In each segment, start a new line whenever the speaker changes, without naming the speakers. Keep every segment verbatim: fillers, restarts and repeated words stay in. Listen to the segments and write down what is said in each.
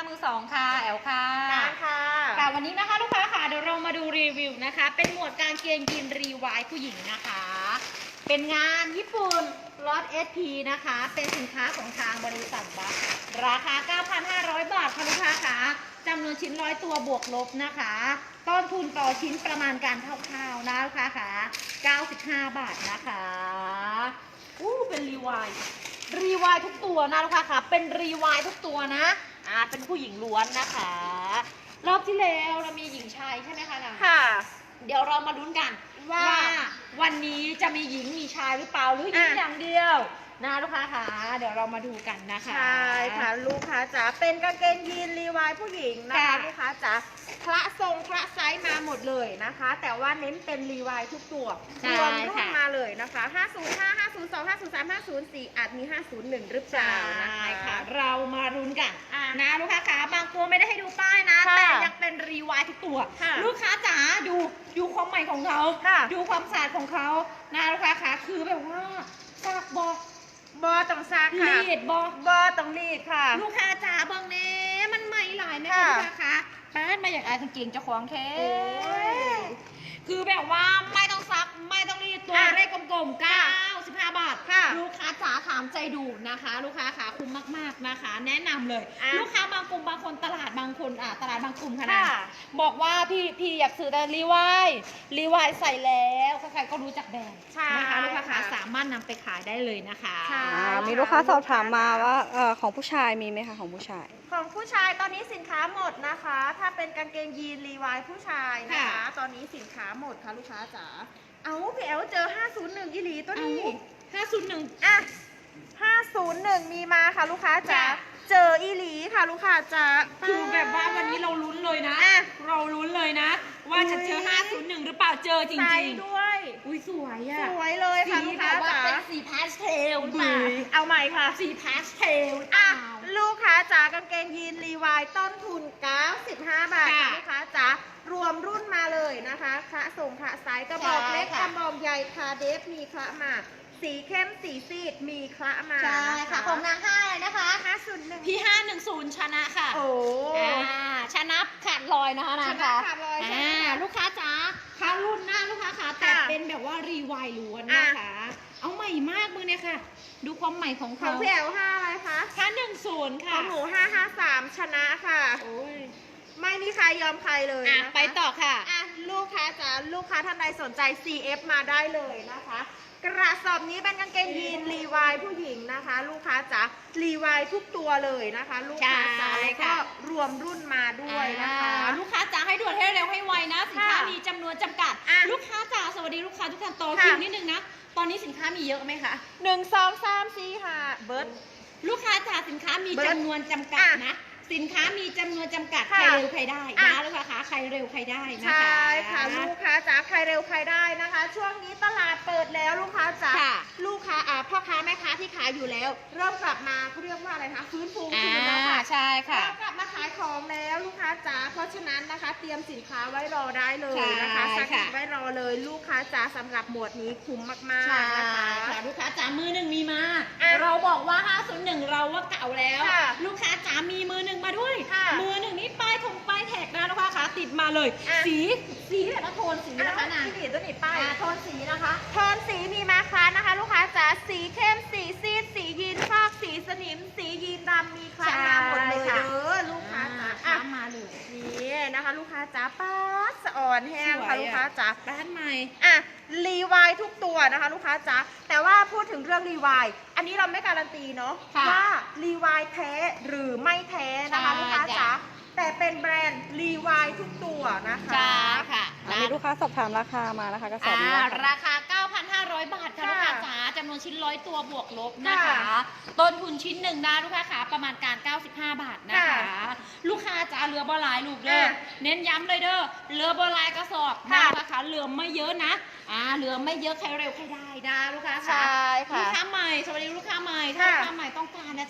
มือสองค่ะแอลค่ะ
การค่ะ
ค่ะวันนี้นะคะลูกค้าค่ะเดี๋ยวเรามาดูรีวิวนะคะเป็นหมวดกางเกงยีนรีวายผู้หญิงนะคะเป็นงานญี่ปุ่นล็อต เอส พี นะคะเป็นสินค้าของทางบริษัทบัคราคา เก้าพันห้าร้อย บาทค่ะลูกค้าค่ะจำนวนชิ้นร้อยตัวบวกลบนะคะต้นทุนต่อชิ้นประมาณการคร่าวๆนะลูกค้าค่ะเก้าสิบห้าบาทนะคะอู้เป็นรีวายรีวายทุกตัวนะลูกค้าค่ะเป็นรีวายทุกตัวนะอ่าเป็นผู้หญิงล้วนนะคะรอบที่แล้วเรามีหญิงชายใช่ไหมคะนาง
ค่ะ
เดี๋ยวเรามาลุ้นกันว่าวันนี้จะมีหญิงมีชายหรือเปล่าหรือหญิงอย่างเดียวนะลูกค้าค่ะเดี๋ยวเรามาดูกันนะคะ
ใช่ค่ะลูกค้าจ๋าเป็นกางเกงยีนรีวายผู้หญิงนะคะลูกค้าจ๋าคละทรงคละไซส์มาหมดเลยนะคะ แต่ว่าเน้นเป็นรีวายทุกตัวรวมรุ่นมาเลยนะคะห้าศูนย์ห้า ห้าศูนย์สอง ห้าศูนย์สาม ห้าศูนย์สี่อาจมีห้าศูนย์หนึ่งหรือเปล่านะคะ
เรามาลุ้นกันนะลูกค้าค่ะบางตัวไม่ได้ให้ดูป้ายนะแต่ยังเป็นรีวายทุกตัวลูกค้าจ๋าดูดูความใหม่ของเขาดูความสะอาดของเขานะลูกค้าค่ะคือแบบว่าซากบอก
บอต้องซากค่ะ
รีดบ
อบอต้องรีดค่ะ
ลูกค้าจ๋าบางเน่มันใหม่หลายนะคะลูกค้าค่ะแป้นมาอย่างไอ้กางเกงเจ้าของแท้คือแบบว่าไม่ต้องซักไม่ต้องรีดตัวเลขกลมๆเก้าสิบห้าบาทลูกค้าจ๋าถามใจดูนะคะลูกค้าขาคุ้มมากๆนะคะแนะนำเลยลูกค้าบางกลุ่มบางคนตลาดบางคนอ่ะตลาดบางกลุ่มค่ะนะบอกว่าพี่พี่อยากซื้อแต่รีวายรีวายใส่แล้วใครๆก็รู้จักแบรนด์นะคะลูกค้าขาสามารถนำไปขายได้เลยนะคะ
มีลูกค้าสอบถามมาว่าเออของผู้ชายมีไหมคะของผู้ชาย
ของผู้ชายตอนนี้สินค้าหมดนะคะถ้าเป็นกางเกงยีนรีวายผู้ชายนะคะตอนนี้สินค้าหมดค่ะลูกค้าจ๋าเอาพี่แอลเจอห้าศูนย์หนึ่งอีหลีตัวนี้
ห้าศูนย์หนึ่ง
อ่ะห้าศูนย์หนึ่งมีมาค่ะลูกค้าจ๋าเจออีหลีค่ะลูกค้าจ๋า
คือแบบว่าวันนี้เราลุ้นเลยนะเราลุ้นเลยนะว่าจะเจอห้าศูนย์หนึ่งหรือเปล่าเจอจริง
ๆด้วย
อุ้ยสวยอ่ะ
สวยเลยค่ะลูกค้าจ๋า
เป็นสีพาสเทลมา
เอาใหม่ค่ะ
สีพาสเทล
อ่ะลูกค้าจ๋ากางเกงยีนรีวายต้นทุนเก้าสิบห้าบาทลูกค้าจ๋ารวมรุ่นมาเลยนะคะคละส่งคละไซส์กระบอกเล็กกระบอกใหญ่คาเดฟมีคละมาสีเข้มสีซีดมีคละมา
ใช่ค่ะของนางห้าเลยนะคะ
ห้าศูนย์หนึ่ง
พี่ห้าหนึ่งศูนย์ชนะค่ะ
โอ้
ชนะขาดลอยนะคะนะ
คะขาดลอย
อ่าลูกค้าจ๋าค้ารุ่นหน้าลูกค้าขาแต่เป็นแบบว่ารีวายล้วนนะคะเอาใหม่มากมือเนี่ยค่ะดูความใหม่ของเขา
ของพี่แอลห้าอะไรคะ
ห้าหนึ่งศูนย์ค่ะ
ของหนูห้าห้าสามชนะค่ะ
โอ้ย
ไม่มีใครยอมใครเลย
อ่ะไปต่อค่ะ
อ่ะลูกค้าจ๋าลูกค้าท่านใดสนใจ ซี เอฟ มาได้เลยนะคะกระสอบนี้เป็นกางเกงยีนรีวายผู้หญิงนะคะลูกค้าจ๋ารีวายทุกตัวเลยนะคะลูกค้าจ๋าแล้วก็รวมรุ่นมาด้วยนะคะ
ลูกค้าจ๋าให้ด่วนให้เร็วให้ไวนะสินค้ามีจำนวนจำกัดลูกค้าจ๋าสวัสดีลูกค้าทุกท่านต่อคิวนิดนึงนะตอนนี้สินค้ามีเยอะไหมคะ
หนึ่งสองสามสี่ห้าเบิร์ด
ลูกค้าจ๋าสินค้ามีจำนวนจำกัดนะสินค้ามีจำนวนจำกัดใครเร็วใครได้นะลูกค้าใครเร็วใครได้นะคะ
ใช่ค่ะลูกค้าจ๋าใครเร็วใครได้นะคะช่วงนี้ตลาดเปิดแล้วลูกค้าจ๋าลูกค้าอ่าพ่อค้าแม่ค้าที่ขายอยู่แล้วเริ่มกลับมาเขาเรียกว่าอะไรคะฟื้นฟูคืนแล้วค่ะ
ใช่ค่ะ
กลับมาขายของแล้วลูกค้าจ๋าเพราะฉะนั้นนะคะเตรียมสินค้าไว้รอได้เลยนะคะสักทีไว้รอเลยลูกค้าจ๋าสำหรับหมวดนี้คุ้มมากๆนะคะ
ลูกค้าจ๋ามือหนึ่งมีมาเราบอกว่าห้าศูนย์หนึ่งเราว่าเก่าแล้วลูกค้าจ๋ามีมือหนึ่งมาด้วยมือหนึ่งนี่ป้ายธงป้ายแท็กนะลูกค้าขาติดมาเลยสีสีแบบโทนสีนะคะนะ
สีตัวนี้ป้าย
โทนสีนะคะ
โทนสีมีมาค้านะคะลูกค้าจ๋าสีเข้มสีซีดสียีนฟอกสีสนิมสียีนดำมีคละมาหมดเลยเด้อลูกค้าจ๋า
อ่ะมาเลย
นี่นะคะลูกค้าจ๋าป๊าดสะอ่อนแห้งค่ะลูกค้าจ๋า
บ้านใหม่
อ่ะรีวายทุกตัวนะคะลูกค้าจ๋าแต่ว่าพูดถึงเรื่องรีวายอันนี้เราไม่การันตีเนาะว่ารีวายแท้หรือไม่แท้นะคะลูกค้าจ๋าแต่เป็นแบรนด์รีวายทุกตัวนะคะ
ใช่ค่ะ
มีลูกค้าสอบถามราคามานะคะกระสอบนี้
ราคา เก้าพันห้าร้อย บาทค่ะลูกค้าจ๋าจำนวนชิ้นร้อยตัวบวกลบนะคะต้นทุนชิ้นหนึ่งนะลูกค้าขาประมาณการเก้าสิบห้าบาทนะคะลูกค้าจ๋าเหลือบอลายลูกเด้อเน้นย้ำเลยเด้อเหลือบอลายกระสอบนะคะเหลือไม่เยอะนะอ่าเหลือไม่เยอะใครเร็วใครได้นะลูกค้าค่ะลูกค้าใหม่สวัสดีลูกค้าใหม่ถ้าลูกค้าใหม่ต้องการนะจ๊ะลูกค้าขา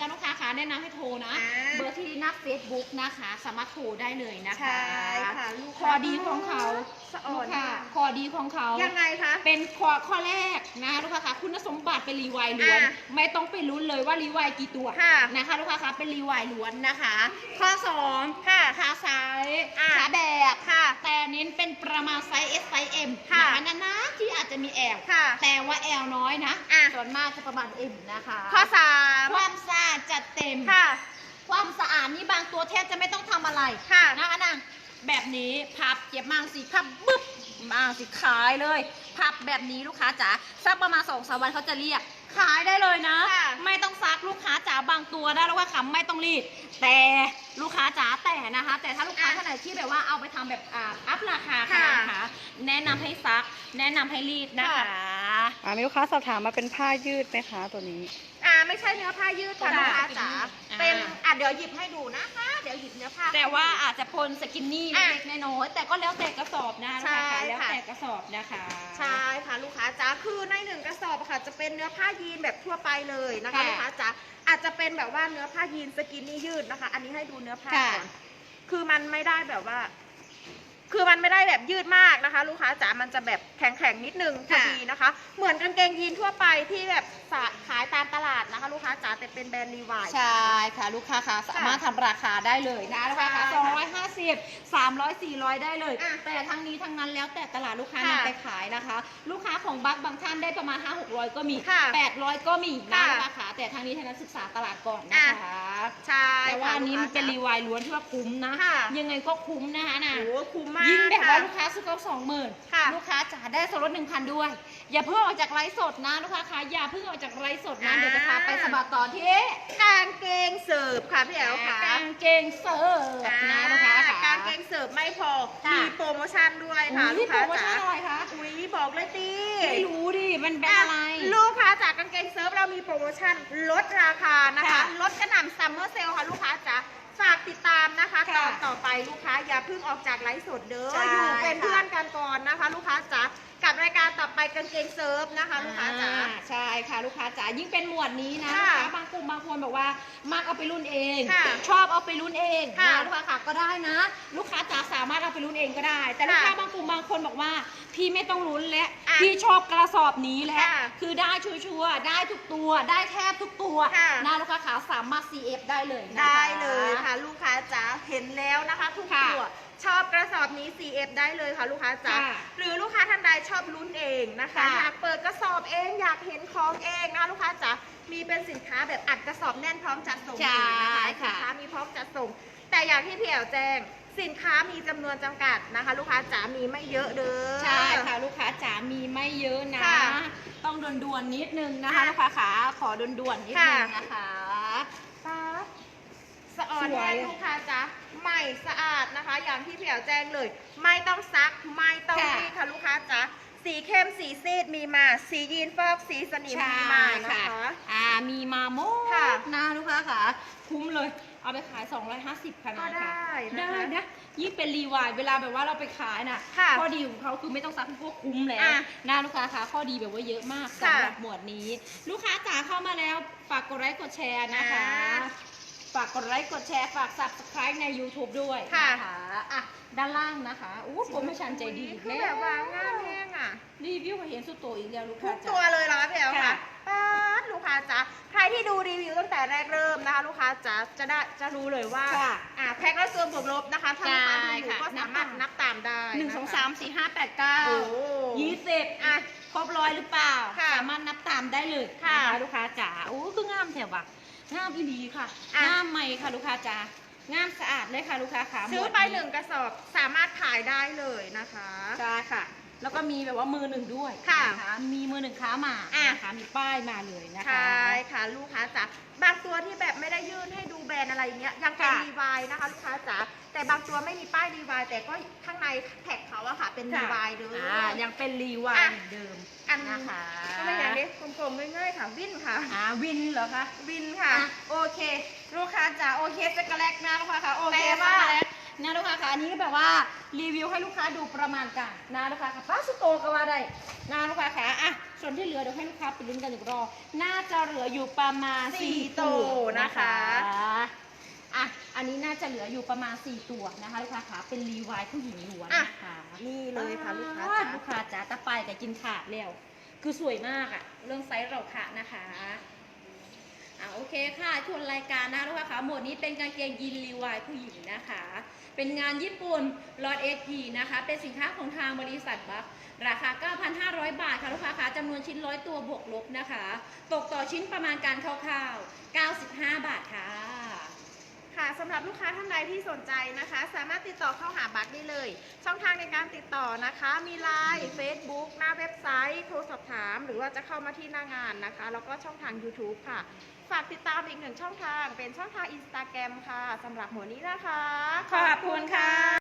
แนะนำให้โทรนะ
อ่า
เบอร์ที่หน้า Facebook นะคะ สามารถโทรได้เลยนะคะ
ใช่ค่ะลูก
ข้อดีของเขา
สะอ่
ลู
อก น
ค้าม
าก
ข้อดีของเขา
ยังไงคะ
เป็นข้อข้อแรกนะคะลูกค้าคะคุณสมบัติเป็นรีไวล์ล้วน
อ่ะ
ไม่ต้องไปลุ้นเลยว่ารีไวล์กี่ตัว
ค่ะ
นะคะลูกค้าคะเป็นรีไวล์ล้วนนะคะ ข้อสอง
ค่ะ
ขาซ้าย
อ่ะ
ขาแบบ
ค่ะ
แต่เน้นเป็นประมาณไซส์ S ไซส์ M
ค่ะ
นะคะนานๆที่อาจจะมี L
ค่ะ
แต่ว่า L น้อยนะ
อ่ะ
ส่วนมากจะประมาณ M นะคะ
ข้อสาม
ความสะอาดจัดเต็ม
ค่ะ
ความสะอาดนี่บางตัวแทบจะไม่ต้องทำอะไร
ค่ะ
นะคะนางแบบนี้พับเก็บมางสิพับบึ๊บมาสิขายเลย พับแบบนี้ลูกค้าจ๋าสักประมาณสองสามวันเขาจะเรียก ขายได้เลยนะ
ค่ะ
ไม่ต้องซักลูกค้าจ๋าบางตัวได้แล้วว่าคำไม่ต้องรีด แต่ลูกค้าจ๋าแต่นะคะ แต่ถ้าลูกค้าท่านไหนที่แบบว่าเอาไปทำแบบอ่าอัพราคาค่ะนะคะแนะนำให้ซัก แนะนำให้รีดนะคะ
อ่ามีลูกค้าสอบถามมาเป็นผ้ายืดไหมคะตัวนี้
อ่าไม่ใช่เนื้อผ้ายืดค่ะ
ค่ะ
ลูกค้าจ๋า
อ่า
เป็นอ่ะเดี๋ยวหยิบให้ดูนะคะ เดี๋ยวหยิบเนื้อผ้า
แต่ว่า
ให้ดู
อาจจะพลสกินนี่
อ่ะ
เล็กๆน้อยๆแต่ก็แล้วแต่กระสอบนะลูกค้า
ใช่
ค่ะแล้ว
ค่ะ
แต่กระสอบนะคะ
ใช่ค่ะลูกค้าจ๋าคือในหนึ่งกระสอบอะค่ะ จะเป็นเนื้อผ้ายีนแบบทั่วไปเลยนะคะ
ค่ะ
ลูกค้าจ๋าอาจจะเป็นแบบว่าเนื้อผ้ายีนสกินนี่ยืดนะคะ อันนี้ให้ดูเนื้อผ้า
ค่ะ
ก่อนคือมันไม่ได้แบบว่า คือมันไม่ได้แบบยืดมากนะคะ ลูกค้าจ๋ามันจะแบบแข็งๆนิดนึงพอ
ค่ะ
ดีนะคะ เหมือนกางเกงยีนทั่วไปที่แบบขายตามตลาดนะคะ ลูกค้าจ๋าแต่เป็นแบรนด์รีวาย
ใช่ค่ะลูกค้าค่ะสามารถทำราคาได้เลยนะลูกค้าค่ะ
ใช่
สองร้อยห้าสิบ สามร้อย สี่ร้อยได้เลย
อ่ะ
แต่ทั้งนี้ทั้งนั้นแล้วแต่ตลาดลูกค้า
ค่ะ
นำไปขายนะคะ ลูกค้าของบัคบางท่านได้ประมาณ ห้าหกร้อย ก็มี
ค่ะ
แปดร้อย ก็มีนะ
ค่ะ
ลูกค้าค่ะแต่ทั้งนี้ทั้งนั้นศึกษาตลาดก่อนนะคะ
ใช่
แต่ว่า
ค่ะ
อันนี้มัน
ลูกค้า
เป็น
จ๋า
รีวายล้วนที่ว่าคุ้มนะ
ค่ะ
ยังไงก็คุ้มนะคะนะ
โอ้โหคุ้มมาก
ยิ่งแบบว่า
ค่ะ
ลูกค้าซื้อเขาสองหมื่น
ค่ะ
ลูกค้าจ๋าได้ส่วนลดหนึ่งพันด้วย อย่าเพิ่งออกจากไลฟ์สดนะลูกค้าคะอย่าเพิ่งออกจากไลฟ์สดนะ
อ่า
เดี๋ยวจะพาไปสะบัดต่อที่
กางเกงเสิร์ฟค่ะพี่แอ๋วค่ะ
กางเกงเสิร์ฟนะลูกค้าค่ะ
กางเกงเสิร์ฟไม่พอ
ค่ะ
มีโปรโมชั่นด้วยค่ะ
อุ๊ย
ลูกค้า
โปรโมชั่
จ๋าน
อะไรคะ
อุ้ยบอกเลยตี
ไม่รู้ดิมันเป็นอะไร
ลูกค้าจากกางเกงเซิร์ฟเรามีโปรโมชั่นลดราคานะคะ
ค่ะ
ลดกระหน่ำซัมเมอร์เซลค่ะลูกค้าจ๋าฝากติดตามนะคะ
ค่ะ
ตอนต่อไปลูกค้าอย่าเพิ่งออกจากไลฟ์สดเด้อ
ใช่
อยู่เป็น
ค่ะ
เพื่อนกันก่อนนะคะ ลูกค้าจ๋ากับรายการต่อไปกางเกงเซิร์ฟนะคะ ลูกค้าจ๋า
อ่ใช่ค่ะลูกค้าจ๋ายิ่งเป็นหมวดนี้นะ
ค่ะ
ลูกค้าบางกลุ่มบางคนบอกว่ามักเอาไปรุ่นเอง
ค่ะ
ชอบเอาไปรุ่นเอง
ค่ะ
นะลูกค้าค่ะก็ได้นะ ลูกค้าจ๋าสามารถเอาไปรุ่นเองก็ได้ แต่ลูกค้า
ค่ะ
บางกลุ่มบางคนบอกว่าพี่ไม่ต้องลุ้นและ
อ่ะ
พี่ชอบกระสอบนี้แหละ
ค่ะ
คือได้ชัวร์ๆได้ทุกตัวได้แทบทุกตัว
ค่ะ
นะลูกค้าขาสามารถ ซี เอฟ ได้เลยนะคะ
ได้เลยค่ะลูกค้าจ๋าเห็นแล้วนะคะ ทุก
ค่ะ
ตัวชอบกระสอบนี้ ซี เอฟ ได้เลยค่ะลูกค้าจ๋า
ค่ะ
หรือลูกค้าท่านใดชอบลุ้นเองนะคะ
ค่ะ
อยากเปิดกระสอบเองอยากเห็นของเองนะคะลูกค้าจ๋ามีเป็นสินค้าแบบอัดกระสอบแน่นพร้อมจัดส่งเลยนะคะสินค้ามีพร้อมจัดส่ง แต่อย่างที่พี่แอ๋วแจ้ง สินค้ามีจำนวนจำกัดนะคะ ลูกค้าจ๋ามีไม่เยอะเด้อ
ใช่ค่ะลูกค้าจ๋ามีไม่เยอะนะ
ค่ะ
ต้องด่วนๆนิดนึงนะคะ
ค่ะ
ลูกค้าขาขอด่วนๆนิดนึงนะคะ
ปั๊บสะออน
สวย
แห้งลูกค้าจ๊ะใหม่สะอาดนะคะ อย่างที่พี่แอ๋วแจ้งเลย ไม่ต้องซักไม่ต้อง
ค่ะ
รีดค่ะลูกค้าจ๊ะสีเข้มสีซีดมีมาสียีนฟอกสีสนิม
ใช่
มีมานะ
ค่ะ
คะ
อ่ามีมาโม
ค่ะ
นะลูกค้าค่ะคุ้มเลยเอาไปขาย สองร้อยห้าสิบค่ะ
ก็
นะ
ได้
คะ
นะคะ
ได้นะยิ่งเป็นรีวายเวลาแบบว่าเราไปขายน่ะ
ค่ะ
ข้อดีของเขาคือไม่ต้องซักพวกคุ้มแล้ว
อ่ะ
นะลูกค้าค่ะข้อดีแบบว่าเยอะมาก
ค่ะ
สำหรับหมวดนี้ ลูกค้าจ๋าเข้ามาแล้วฝากกดไลค์กดแชร์นะคะ
อ่า
ฝากกดไลค์กดแชร์ฝาก subscribe ใน YouTube ด้วย
ค่ะ
นะคะอ่ะด้านล่างนะคะอู้โปรโมชั่นใจดี
คือแบบว่างามแห้งอ่ะ
รีวิวมาเห็นสุดโตอีกแล้วลูก
ทุ
ค้าก จ๋า
ตัวเลยเหรอคะพี่แอ๋ว
ค่ะ
ค่ะป๊าดลูกค้าจ๊ะใครที่ดูรีวิวตั้งแต่แรกเริ่มนะคะ ลูกค้าจ๊ะจะได้จะรู้เลยว่า
ค่ะ
อ่าแพ็คและส่วนบวกลบนะคะถ้าลูกค้าดูอยู่
ใช่ค่ะ
ก็สามารถนับตามได้
หนึ่ง
ะคะ
สองสามสี่ห้าแปดเก้า
โอ้
ยี่สิบอ่ะครบร้อยหรือเปล่า
ค่ะ
สามารถนับตามได้เลย
ค่ะ
นะคะลูกค้าจ๋าโอ้คืองามแถวว่ะงามอีหลีค่ะ
อ่ะ
งามใหม่ค่ะลูกค้าจ๋างามสะอาดเลยค่ะลูกค้าขา
ซื้อไป
มวด
หนึ่งกระสอบสามารถขายได้เลยนะคะ
ใช่ค่ะ แล้วก็มีแบบว่ามือหนึ่งด้วย
ค่ะ
นมีมือหนึ่งค้ามา
อ่ะ
นะคะมีป้ายมาเลยนะคะ
ใช่ค่ะลูกค้าจ๋าบางตัวที่แบบไม่ได้ยื่นให้ดูแบรนด์อะไรอย่างเงี้ยยังเป็น
ค่ะ
รีวายนะคะ ลูกค้าจ๋าแต่บางตัวไม่มีป้ายรีวายแต่ก็ข้างในแท็กเขาอะค่ะเป็นรีวายเด้อ
อ่ายังเป็นรีวาย
อ่ะ
เหมือนเดิม
อัน
นะคะ
ก็ไม่อย่างนี้กลมๆง่ายๆค่ะวินค่ะ
อ่าวินเหรอคะ
วินค่ะ
อ่ะโอเค ลูกค้าจ๋าโอเคสกแลกนะลูกค้าค่ะโอเค
แปลว่า
สกแลกนะลูกค้าค่ะอันนี้ก็แบบว่ารีวิวให้ลูกค้าดูประมาณกันนะลูกค้าค่ะป้าสุโตก็ว่าได้นะลูกค้าค่ะอ่ะส่วนที่เหลือเดี๋ยวให้ลูกค้าไปลุ้นกันอีกรอบน่าจะเหลืออยู่ประมาณ
สี่
สี่
ตั
ตัว
ว
นะ
นะคะ คะ
อ่ะอันนี้น่าจะเหลืออยู่ประมาณสี่ตัวนะคะลูกค้าค่ะเป็นรีวายผู้หญิงล้วน
อ่ะ
นะคะ
นี่เลยค่ะลูกค้า
อ่
จ๋า
ลูกค้าจ๋าตะไปกับกินขาดแล้วคือสวยมากอะเรื่องไซส์เราค่ะนะคะอ่ะโอเคค่ะทวนรายการนะลูกค้าค่ะหมวดนี้เป็นกางเกงยีนรีวายผู้หญิงนะคะ เป็นงานญี่ปุ่นลอตเอทีนะคะเป็นสินค้าของทางบริษัทบัคราคา เก้าพันห้าร้อย บาทค่ะลูกค้าค่ะจำนวนชิ้นร้อยตัวบวกลบนะคะ ตกต่อชิ้นประมาณการคร่าวๆเก้าสิบห้า บาทค่ะ
ค่ะสำหรับลูกค้าท่านใดที่สนใจนะคะ สามารถติดต่อเข้าหาบัคได้เลย ช่องทางในการติดต่อนะคะ มีไลน์ Facebook หน้าเว็บไซต์ โทรสอบถาม หรือว่าจะเข้ามาที่หน้างานนะคะ แล้วก็ช่องทาง YouTube ค่ะ ฝากติดตามอีกหนึ่งช่องทางเป็นช่องทาง Instagram ค่ะสำหรับหมวดนี้นะคะ
ขอบคุณค่ะ